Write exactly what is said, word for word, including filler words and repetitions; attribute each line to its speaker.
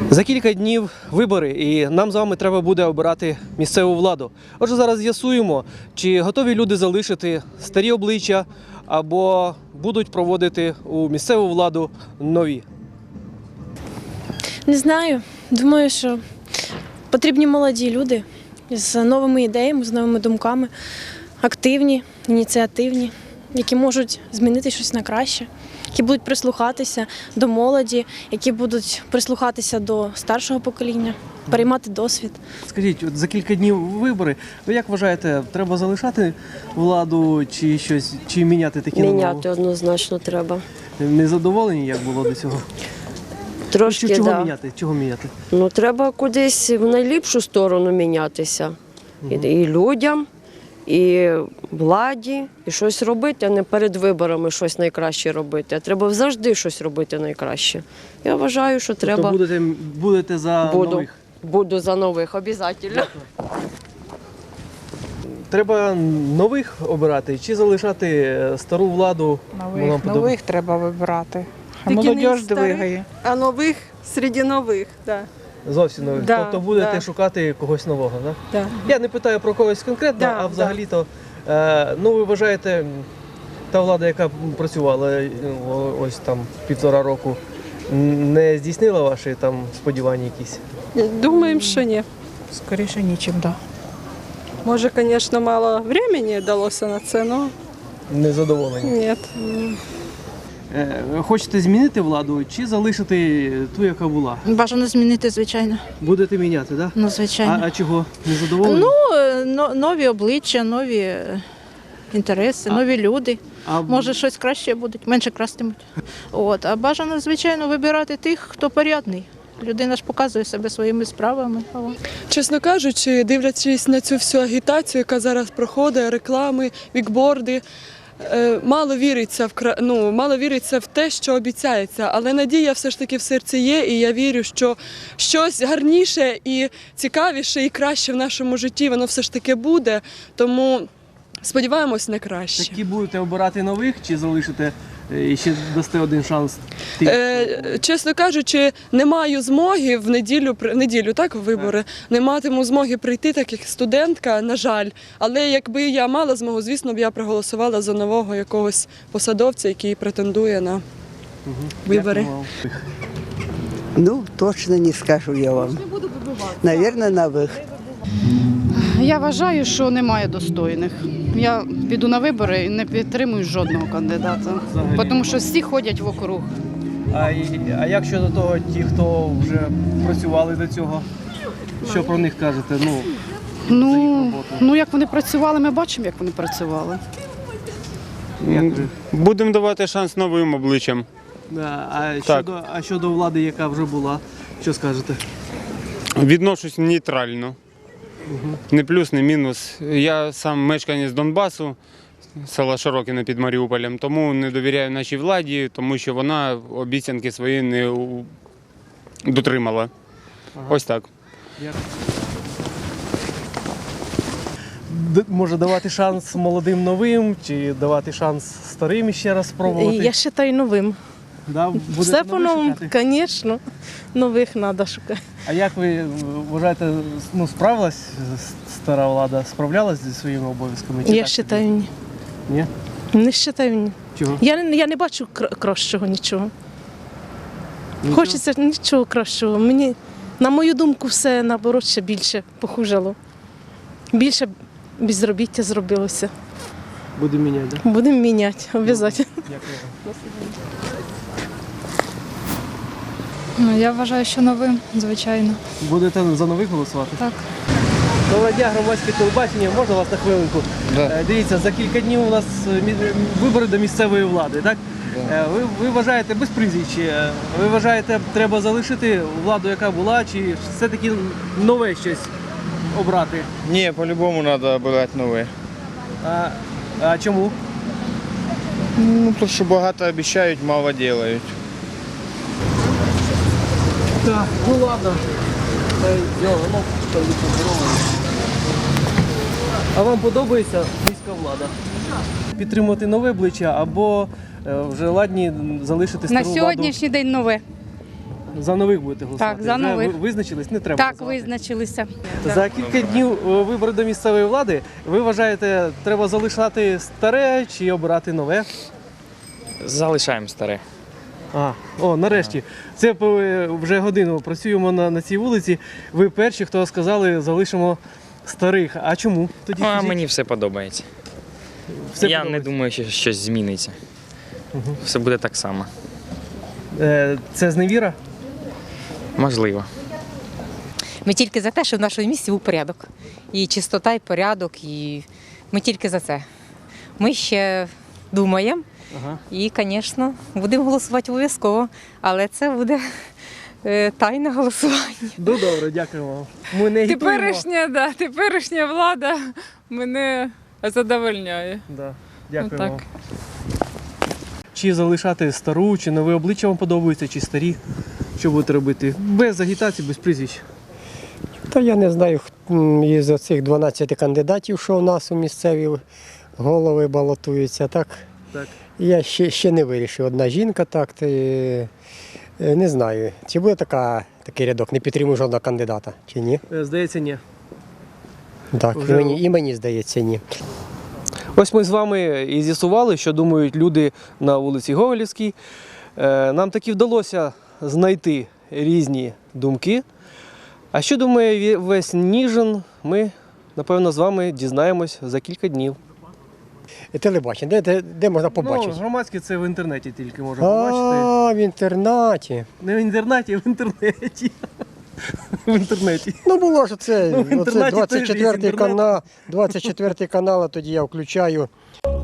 Speaker 1: За кілька днів вибори, і нам з вами треба буде обирати місцеву владу. Отже, зараз з'ясуємо, чи готові люди залишити старі обличчя або будуть проводити у місцеву владу нові.
Speaker 2: Не знаю. Думаю, що потрібні молоді люди з новими ідеями, з новими думками, активні, ініціативні, які можуть змінити щось на краще, які будуть прислухатися до молоді, які будуть прислухатися до старшого покоління, переймати досвід.
Speaker 1: Скажіть, от за кілька днів вибори, ви як вважаєте, треба залишати владу чи щось, чи міняти такі на нову?
Speaker 3: Міняти однозначно треба.
Speaker 1: Не задоволені, як було до цього?
Speaker 3: Трошки,
Speaker 1: Чого
Speaker 3: да.
Speaker 1: міняти? Чого міняти?
Speaker 3: Ну, треба кудись в найліпшу сторону мінятися. І, і людям, і владі, і щось робити, а не перед виборами щось найкраще робити. А треба завжди щось робити найкраще. Я вважаю, що треба.
Speaker 1: Тобто будете, будете за
Speaker 3: Буду.
Speaker 1: нових?
Speaker 3: Буду за нових, обов'язково.
Speaker 1: Треба нових обирати чи залишати стару владу?
Speaker 4: Нових,
Speaker 1: Вам подоб-
Speaker 4: нових треба вибирати. А
Speaker 5: Тільки не
Speaker 4: молодь
Speaker 5: старих.
Speaker 4: двигає.
Speaker 5: А нових серед нових, так.
Speaker 1: Зовсім нових.
Speaker 5: Да,
Speaker 1: Тобто будете
Speaker 5: да.
Speaker 1: шукати когось нового, так?
Speaker 5: Да.
Speaker 1: Я не питаю про когось конкретно,
Speaker 5: Да,
Speaker 1: а взагалі-то, е, ну ви вважаєте, та влада, яка працювала е, о- ось там півтора року, не здійснила ваші там сподівання якісь?
Speaker 5: Думаємо, що ні.
Speaker 4: Скоріше нічим, так. Да.
Speaker 5: Може, звісно, мало времени далося на це, але
Speaker 1: Незадоволені.
Speaker 5: ні.
Speaker 1: Е, Хочете змінити владу чи залишити ту, яка була?
Speaker 6: Бажано змінити, звичайно.
Speaker 1: Будете міняти, так? Да?
Speaker 6: Ну,
Speaker 1: А,
Speaker 6: звичайно.
Speaker 1: а чого? Незадоволені?
Speaker 6: Ну, е, но- нові обличчя, нові е, інтереси,
Speaker 1: А-
Speaker 6: нові люди.
Speaker 1: А
Speaker 6: Може, щось краще будуть, менше крастимуть. От. А бажано, звичайно, вибирати тих, хто порядний. Людина ж показує себе своїми справами. О.
Speaker 7: Чесно кажучи, дивлячись на цю всю агітацію, яка зараз проходить, реклами, вікборди, е, мало віриться в кра- ну, мало віриться в те, що обіцяється. Але надія все ж таки в серці є, і я вірю, що щось гарніше і цікавіше, і краще в нашому житті воно все ж таки буде. Тому сподіваємось на краще.
Speaker 1: такі будете обирати нових чи залишите е, і ще дасте один шанс тим?
Speaker 7: Е, чесно кажучи, не маю змоги в неділю, при- в неділю так, в вибори, не матиму змоги прийти, так як студентка, на жаль. Але якби я мала змогу, звісно б я проголосувала за нового якогось посадовця, який претендує на вибори.
Speaker 1: Дякую вам.
Speaker 8: Ну, точно не скажу я вам. Наверное, новых.
Speaker 9: Я вважаю, що немає достойних. Я піду на вибори і не підтримую жодного кандидата,
Speaker 1: Взагалі
Speaker 9: тому що всі ходять вокруг.
Speaker 1: А, і- а як щодо того, ті, хто вже працювали до цього, що про них кажете? Ну, за їх
Speaker 9: Ну,
Speaker 1: роботу.
Speaker 9: ну як вони працювали, ми бачимо, як вони працювали.
Speaker 1: Як ви?
Speaker 10: Будемо давати шанс новим обличчям.
Speaker 1: Да, А щодо, а щодо влади, яка вже була, що скажете?
Speaker 10: Відношусь нейтрально. Не плюс, не мінус. Я сам мешканець Донбасу, села Широкине під Маріуполем, тому не довіряю нашій владі, тому що вона обіцянки свої не у- дотримала. Ось так.
Speaker 1: Д- може давати шанс молодим новим, чи давати шанс старим ще раз спробувати?
Speaker 2: Я вважаю новим.
Speaker 1: Да, будете
Speaker 2: Все
Speaker 1: нових
Speaker 2: по-новому,
Speaker 1: шукати?
Speaker 2: звісно, нових треба шукати.
Speaker 1: А як ви вважаєте, ну, справилась стара влада, справлялась зі своїми обов'язками? чи
Speaker 2: Я
Speaker 1: так?
Speaker 2: вважаю ні.
Speaker 1: Ні?
Speaker 2: Не вважаю ні.
Speaker 1: Чого?
Speaker 2: Я, не- я не бачу кра- кращого нічого.
Speaker 1: Нічого?
Speaker 2: Хочеться нічого кращого. Мені, на мою думку, все наоборот ще більше похужило. Більше безробіття зробилося.
Speaker 1: Будемо міняти, так?
Speaker 2: Будемо міняти, обов'язково.
Speaker 1: Дякую вам.
Speaker 11: Ну, я вважаю, що новим, звичайно.
Speaker 1: Будете за нових голосувати?
Speaker 11: Так.
Speaker 1: Доброго дня, громадське телебачення. Можна вас на хвилинку? Е, Дивіться, за кілька днів у нас е, мі- вибори до місцевої влади, так? Е, Ви, ви вважаєте, без прізвищ, е, ви вважаєте, треба залишити владу, яка була, чи все-таки нове щось обрати?
Speaker 12: Ні, по-любому треба обирати нове.
Speaker 1: А, а чому?
Speaker 12: Ну, тому що багато обіцяють, мало роблять.
Speaker 1: Так, ну ладно. Е, йо, ну, що ви поздоровались. А вам подобається міська влада? Підтримувати нове обличчя або е, вже ладні залишити
Speaker 11: На
Speaker 1: стару
Speaker 11: сьогоднішній день нове.
Speaker 1: владу? За нових будете голосувати?
Speaker 13: Так, за
Speaker 1: Вже
Speaker 13: нових.
Speaker 1: ви- визначились? Не треба
Speaker 13: Так,
Speaker 1: називати.
Speaker 13: визначилися.
Speaker 1: За кілька днів е, вибори до місцевої влади. Ви вважаєте, треба залишати старе чи обирати нове?
Speaker 14: Залишаємо старе.
Speaker 1: А, о, нарешті. Це е, вже годину працюємо на, на цій вулиці. Ви перші, хто сказали, залишимо старих. А чому? Тоді
Speaker 14: Ну, а
Speaker 1: скажіть.
Speaker 14: мені все подобається.
Speaker 1: Все
Speaker 14: Я
Speaker 1: подобається.
Speaker 14: не думаю, що щось зміниться.
Speaker 1: Угу.
Speaker 14: Все буде так само.
Speaker 1: Е, це зневіра?
Speaker 14: Можливо.
Speaker 15: Ми тільки за те, що в нашому місті був порядок. І чистота, і порядок, і ми тільки за це. Ми ще думаємо
Speaker 1: Ага.
Speaker 15: і, звісно, будемо голосувати обов'язково, але це буде е, тайне голосування.
Speaker 1: Ну добре, дякую вам. Ми не агітуємо.
Speaker 11: Теперішня, да, теперішня влада мене задовольняє.
Speaker 1: Да, дякую
Speaker 11: Ну, так.
Speaker 1: вам. Чи залишати стару, чи нове обличчя вам подобається, чи старі? Що будете робити? Без агітації, без прізвищ.
Speaker 16: Та я не знаю, м, із оцих дванадцяти кандидатів, що у нас у місцеві голови балотуються, так?
Speaker 1: Так.
Speaker 16: Я ще, ще не вирішив. Одна жінка, так, ти, е, не знаю, чи буде така, такий рядок, не підтримую жодного кандидата, чи ні?
Speaker 1: Е, Здається, ні.
Speaker 16: Так,
Speaker 1: Вже-
Speaker 16: і, мені, і мені здається, ні.
Speaker 1: Ось ми з вами і з'ясували, що думають люди на вулиці Гоголівській. Е, Нам таки вдалося знайти різні думки. А що думає ві- весь Ніжин, ми, напевно, з вами дізнаємось за кілька днів.
Speaker 16: Телебачення, де, де, де можна побачити?
Speaker 1: Ну, громадське це в інтернеті тільки можна побачити.
Speaker 16: А, в інтернаті.
Speaker 1: Не в інтернеті, а в інтернеті. В інтернеті.
Speaker 16: Ну було ж це,
Speaker 1: Ну, в
Speaker 16: оце
Speaker 1: інтернаті теж є
Speaker 16: двадцять четвертий
Speaker 1: інтернет.
Speaker 16: канал, двадцять четвертий канал, а тоді я включаю.